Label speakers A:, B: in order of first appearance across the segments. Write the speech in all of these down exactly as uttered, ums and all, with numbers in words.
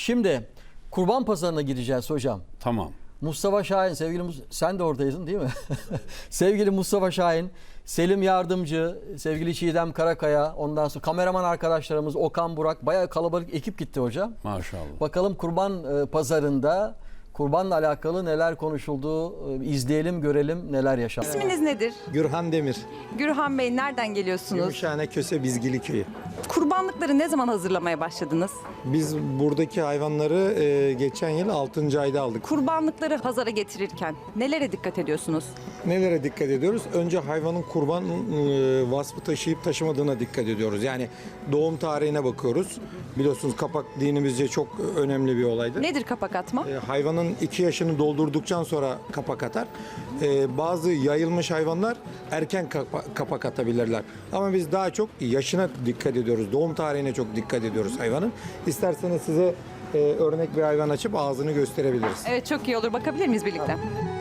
A: Şimdi kurban pazarına gideceğiz hocam.
B: Tamam.
A: Mustafa Şahin, sevgili Mus- sen de oradaydın değil mi? Sevgili Mustafa Şahin, Selim Yardımcı, sevgili Çiğdem Karakaya, ondan sonra kameraman arkadaşlarımız Okan Burak, bayağı kalabalık ekip gitti hocam.
B: Maşallah.
A: Bakalım kurban e, pazarında kurbanla alakalı neler konuşuldu, e, izleyelim, görelim neler yaşandı.
C: İsminiz nedir?
D: Gürhan Demir,
C: Gürhan Bey, nereden geliyorsunuz?
D: Gümüşhane Köse Bizgili Köyü.
C: Kurbanlıkları ne zaman hazırlamaya başladınız?
D: Biz buradaki hayvanları e, geçen yıl altıncı ayda aldık.
C: Kurbanlıkları pazara getirirken nelere dikkat ediyorsunuz?
D: Nelere dikkat ediyoruz? Önce hayvanın kurban e, vasfı taşıyıp taşımadığına dikkat ediyoruz. Yani doğum tarihine bakıyoruz. Biliyorsunuz kapak dinimizce çok önemli bir olaydır.
C: Nedir kapak atma?
D: E, hayvanın iki yaşını doldurduktan sonra kapak atar. E, bazı yayılmış hayvanlar erken kapa- kapak atabilirler. Ama biz daha çok yaşına dikkat ediyoruz. Doğum tarihine çok dikkat ediyoruz hayvanın. İsterseniz size e, örnek bir hayvan açıp ağzını gösterebiliriz.
C: Evet, çok iyi olur. Bakabilir miyiz birlikte?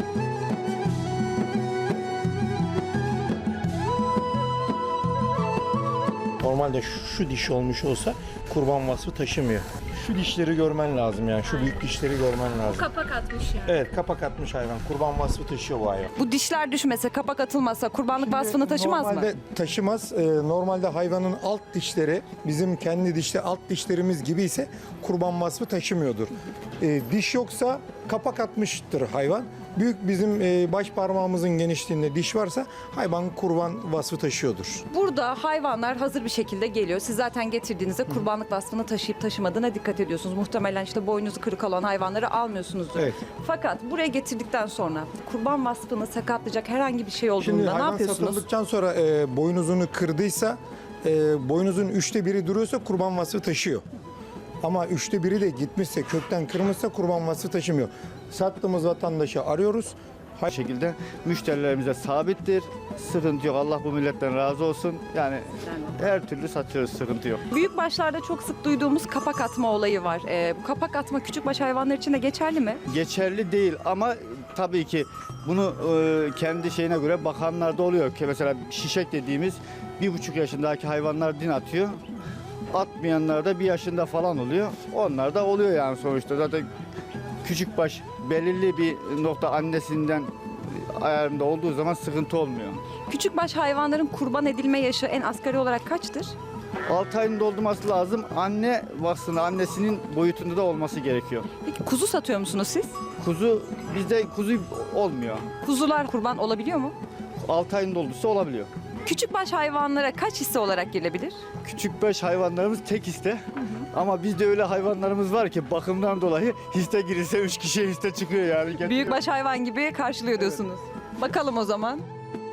E: Normalde şu, şu diş olmuş olsa kurban vasfı taşımıyor. Şu dişleri görmen lazım yani. Şu büyük dişleri görmen lazım.
F: Kapak atmış yani.
E: Evet, kapak atmış hayvan. Kurban vasfı taşıyor bu hayvan.
C: Bu dişler düşmese, kapak atılmasa kurbanlık vasfını taşımaz mı?
D: Normalde taşımaz. Ee, normalde hayvanın alt dişleri bizim kendi dişte alt dişlerimiz gibi ise kurban vasfı taşımıyordur. Ee, diş yoksa kapak atmıştır hayvan. Büyük bizim e, baş parmağımızın genişliğinde diş varsa hayvan kurban vasfı taşıyordur.
C: Burada hayvanlar hazır bir şekilde geliyor. Siz zaten getirdiğinizde kurbanlık vasfını taşıyıp taşımadığına dikkat ediyorsunuz. Muhtemelen işte boynuzu kırık olan hayvanları almıyorsunuzdur.
D: Evet.
C: Fakat buraya getirdikten sonra kurban vasfını sakatlayacak herhangi bir şey
D: Şimdi
C: olduğunda ne
D: hayvan
C: yapıyorsunuz?
D: satıldıktan sonra e, boynuzunu kırdıysa, e, boynuzun üçte biri duruyorsa kurban vasfı taşıyor. Ama üçte biri de gitmişse, kökten kırmışsa kurban vasfı taşımıyor. Sattığımız vatandaşı arıyoruz.
G: Bu şekilde müşterilerimize sabittir. Sıkıntı yok. Allah bu milletten razı olsun. Yani her türlü satıyoruz. Sıkıntı yok.
C: Büyük başlarda çok sık duyduğumuz kapak atma olayı var. Ee, bu kapak atma küçükbaş hayvanlar için de geçerli mi?
G: Geçerli değil ama tabii ki bunu e, kendi şeyine göre bakanlarda oluyor ki mesela şişek dediğimiz bir buçuk yaşındaki hayvanlar din atıyor. Atmayanlar da bir yaşında falan oluyor. Onlar da oluyor yani sonuçta. Zaten küçükbaş belirli bir nokta annesinden ayarında olduğu zaman sıkıntı olmuyor.
C: Küçükbaş hayvanların kurban edilme yaşı en asgari olarak kaçtır?
G: altı ayın doldurması lazım. Anne vasfında, annesinin boyutunda da olması gerekiyor.
C: Peki kuzu satıyor musunuz siz?
G: Kuzu, bizde kuzu olmuyor.
C: Kuzular kurban olabiliyor mu?
G: altı ayın doldursa olabiliyor.
C: Küçükbaş hayvanlara kaç hisse olarak girilebilir?
G: Küçükbaş hayvanlarımız tek hisse. Ama bizde öyle hayvanlarımız var ki bakımdan dolayı hisse girirse üç kişiye hisse çıkıyor yani.
C: Büyükbaş hayvan gibi karşılıyor diyorsunuz. Bakalım o zaman.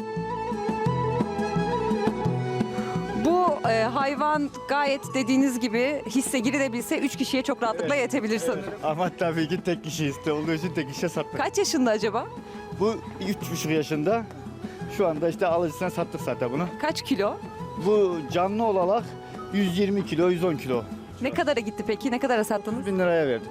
C: Bu e, hayvan gayet dediğiniz gibi hisse girilebilse üç kişiye çok rahatlıkla yetebilir sanırım.
G: Ama tabii ki tek kişi hisse olduğu için tek kişiye sattık.
C: Kaç yaşında acaba?
G: Bu üç buçuk yaşında. Şu anda işte alıcısına sattık zaten bunu.
C: Kaç kilo?
G: Bu canlı olarak yüz yirmi kilo, yüz on kilo.
C: Ne kadara gitti peki? Ne kadara sattınız?
G: bin liraya verdim.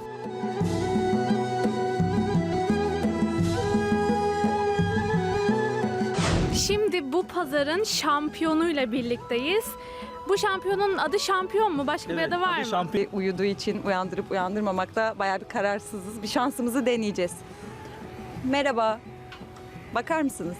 F: Şimdi bu pazarın şampiyonuyla birlikteyiz. Bu şampiyonun adı şampiyon mu? Başka bir adı var mı?
C: Bir uyuduğu için uyandırıp uyandırmamakta bayağı bir kararsızız. Bir şansımızı deneyeceğiz. Merhaba. Bakar mısınız?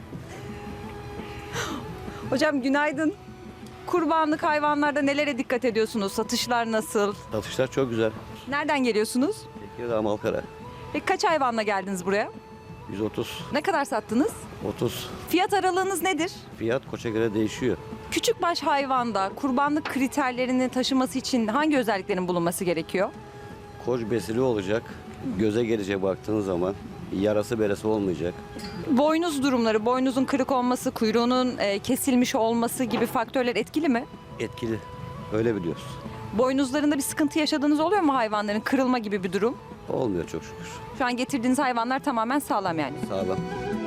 C: Hocam günaydın. Kurbanlık hayvanlarda nelere dikkat ediyorsunuz? Satışlar nasıl?
H: Satışlar çok güzel.
C: Nereden geliyorsunuz?
H: Tekirdağ, Malkara.
C: Peki kaç hayvanla geldiniz buraya?
H: yüz otuz,
C: Ne kadar sattınız?
H: otuz.
C: Fiyat aralığınız nedir?
H: Fiyat koça göre değişiyor.
C: Küçükbaş hayvanda kurbanlık kriterlerini taşıması için hangi özelliklerin bulunması gerekiyor?
H: Koç besili olacak. Göze gelecek baktığınız zaman. Yarası beresi olmayacak.
C: Boynuz durumları, boynuzun kırık olması, kuyruğunun e, kesilmiş olması gibi faktörler etkili mi?
H: Etkili. Öyle biliyoruz.
C: Boynuzlarında bir sıkıntı yaşadığınız oluyor mu hayvanların? Kırılma gibi bir durum.
H: Olmuyor çok şükür.
C: Şu an getirdiğiniz hayvanlar tamamen sağlam yani.
H: Sağlam.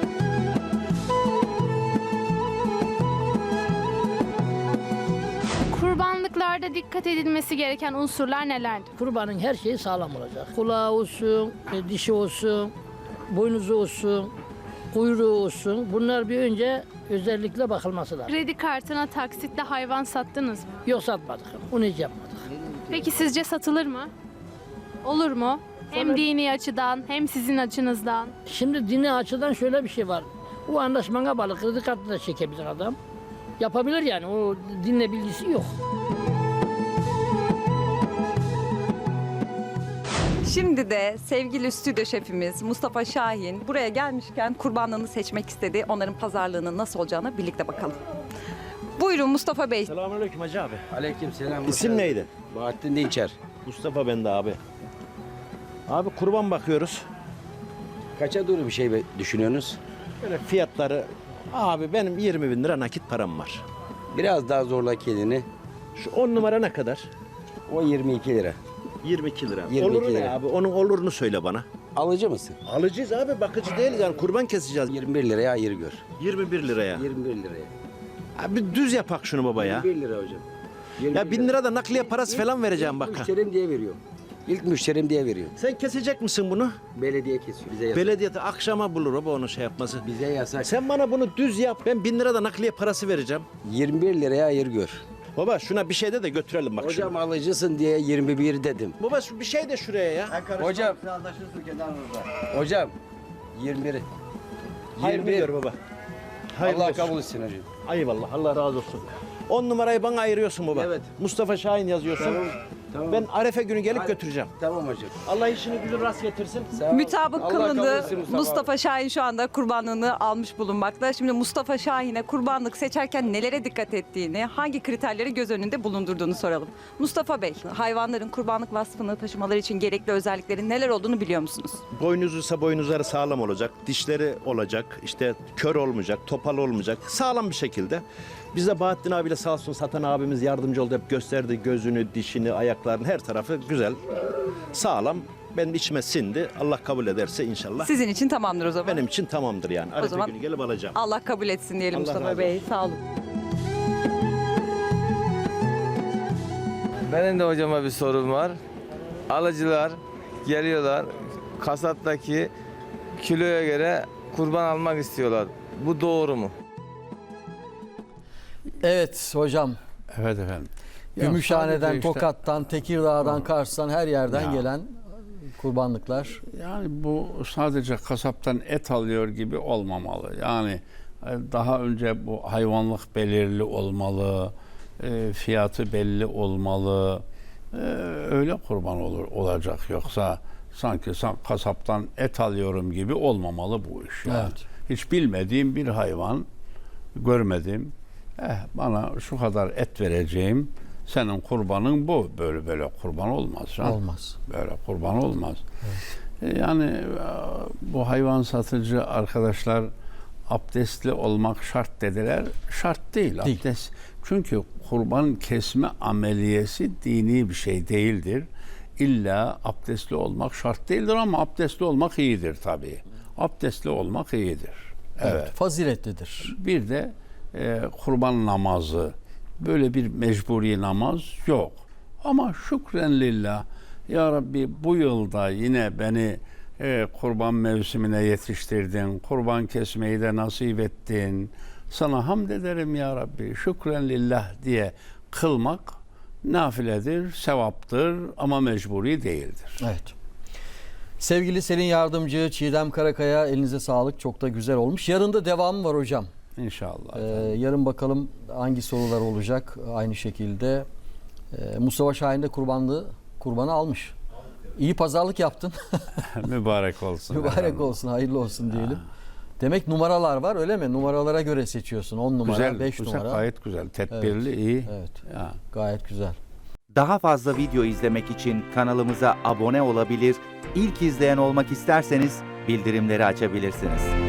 F: Kurbanlıklarda dikkat edilmesi gereken unsurlar nelerdir?
I: Kurbanın her şeyi sağlam olacak. Kulağı olsun, e, dişi olsun, boynuzu olsun, kuyruğu olsun. Bunlar bir önce özellikle bakılması lazım.
F: Kredi kartına taksitle hayvan sattınız mı?
I: Yok satmadık. Onu hiç yapmadık.
F: Peki sizce satılır mı? Olur mu? Hem dini açıdan hem sizin açınızdan.
I: Şimdi dini açıdan şöyle bir şey var. O anlaşmana bağlı kredi kartı da çekebilir adam. Yapabilir yani. O dinle bilgisi yok.
C: Şimdi de sevgili stüdyo şefimiz Mustafa Şahin buraya gelmişken kurbanlığını seçmek istedi. Onların pazarlığının nasıl olacağına birlikte bakalım. Buyurun Mustafa Bey.
E: Selamünaleyküm Hacı abi.
B: Aleyküm selam.
E: İsim neydi?
B: Bahattin Dinçer.
E: Mustafa ben de abi. Abi kurban bakıyoruz.
B: Kaça doğru bir şey be- düşünüyorsunuz?
E: Böyle fiyatları abi benim yirmi bin lira nakit param var.
B: Biraz daha zorla kendini.
E: Şu on numara ne kadar?
B: O yirmi iki lira.
E: yirmi iki lira.
B: yirmi iki
E: Oluru ne
B: lira.
E: abi? Onun olurunu söyle bana.
B: Alıcı mısın?
E: Alacağız abi, bakıcı değiliz yani, kurban keseceğiz.
B: yirmi bir liraya ayır gör.
E: yirmi bir liraya.
B: yirmi bir liraya.
E: Abi düz yapak şunu baba ya.
B: yirmi bir lira hocam. yirmi
E: Ya
B: bir
E: bin lira da nakliye parası
B: İlk-
E: falan vereceğim
B: ilk
E: bak. ha.
B: Müşterim diye veriyor. İlk müşterim diye veriyor.
E: Sen kesecek misin bunu?
B: Belediye kesiyor. Bize yasak.
E: Belediyede akşama bulur baba onu şey yapması.
B: Bize yasak.
E: Sen bana bunu düz yap, ben bin lira da nakliye parası vereceğim.
B: yirmi bir liraya ayır gör.
E: Baba şuna bir şey de de götürelim bak
B: Hocam
E: şunu.
B: alıcısın diye yirmi bir dedim.
E: Baba şu bir şey de şuraya ya.
B: Hocam. Hocam. yirmi bir.
E: Hayırlı
B: yirmi bir.
E: gör baba. Hayırlı
B: Allah
E: olsun.
B: kabul etsin hocam.
E: Eyvallah, Allah razı olsun. on numarayı bana ayırıyorsun baba.
B: Evet.
E: Mustafa Şahin yazıyorsun.
B: Tamam. Tamam.
E: Ben Arefe günü gelip
B: Hadi.
E: götüreceğim.
B: Tamam hocam.
E: Allah işini gücü rast getirsin.
B: Sağ ol.
C: Mütabık
B: Allah kabul
C: kılındı.
B: etsin Mustafa,
C: Mustafa Şahin şu anda kurbanlığını almış bulunmakta. Şimdi Mustafa Şahin'e kurbanlık seçerken nelere dikkat ettiğini, hangi kriterleri göz önünde bulundurduğunu soralım. Mustafa Bey, hayvanların kurbanlık vasfını taşımaları için gerekli özelliklerin neler olduğunu biliyor musunuz?
E: Boynuzuysa boynuzları sağlam olacak, dişleri olacak, işte kör olmayacak, topal olmayacak, sağlam bir şekilde. Bize Bahattin abiyle sağ olsun satan abimiz yardımcı oldu, hep gösterdi gözünü, dişini, ayaklarını, her tarafı güzel, sağlam. Benim içime sindi. Allah kabul ederse inşallah.
C: Sizin için tamamdır o zaman.
E: Benim için tamamdır yani. Arefe
C: zaman-
E: günü gelip alacağım.
C: Allah kabul etsin diyelim
E: Allah
C: Mustafa
E: razı
C: Bey. Sağ olun.
J: Benim de hocama bir sorum var. Alıcılar geliyorlar, kasaptaki kiloya göre kurban almak istiyorlar. Bu doğru mu?
A: Evet hocam.
K: Evet efendim. Ya
A: Gümüşhane'den,
K: sadece işte-
A: Tokat'tan, Tekirdağ'dan, Kars'tan her yerden
K: Ya.
A: gelen kurbanlıklar.
K: Yani bu sadece kasaptan et alıyor gibi olmamalı. Yani e, daha önce bu hayvanlık belirli olmalı, e, fiyatı belli olmalı. E, öyle kurban olur olacak, yoksa sanki san- kasaptan et alıyorum gibi olmamalı bu iş. Yani.
A: Evet.
K: Hiç bilmediğim bir hayvan görmedim. Eh, bana şu kadar et vereceğim. Senin kurbanın bu. Böyle böyle kurban olmaz. ha?
A: Olmaz.
K: Böyle kurban olmaz. E, Yani e, bu hayvan satıcı arkadaşlar abdestli olmak şart dediler. Şart değil,
A: Değil.
K: abdest. Çünkü kurban kesme ameliyesi dini bir şey değildir. İlla abdestli olmak şart değildir ama abdestli olmak iyidir tabii. Abdestli olmak iyidir.
A: Evet.
K: Evet.
A: Faziletlidir.
K: Bir de e, kurban namazı, böyle bir mecburi namaz yok. Ama şükren lillah, ya Rabbi bu yılda yine beni e, kurban mevsimine yetiştirdin, kurban kesmeyi de nasip ettin. Sana hamd ederim ya Rabbi, şükren lillah diye kılmak nafiledir, sevaptır ama mecburi değildir.
A: Evet. Sevgili Selin Yardımcı, Çiğdem Karakaya, elinize sağlık. Çok da güzel olmuş. Yarın da devamı var hocam.
K: İnşallah.
A: Ee, yarın bakalım hangi sorular olacak aynı şekilde. Ee, Mustafa Şahin de kurbanlığı, kurbanı almış. İyi pazarlık yaptın.
K: Mübarek olsun.
A: Mübarek
K: efendim.
A: olsun, hayırlı olsun diyelim. Demek numaralar var öyle mi? Numaralara göre seçiyorsun. on numara,
K: Güzel,
A: beş
K: güzel,
A: numara.
K: gayet güzel. Tedbirli, iyi.
A: Evet.
K: Ya.
A: Gayet güzel.
L: Daha fazla video izlemek için kanalımıza abone olabilir, ilk izleyen olmak isterseniz bildirimleri açabilirsiniz.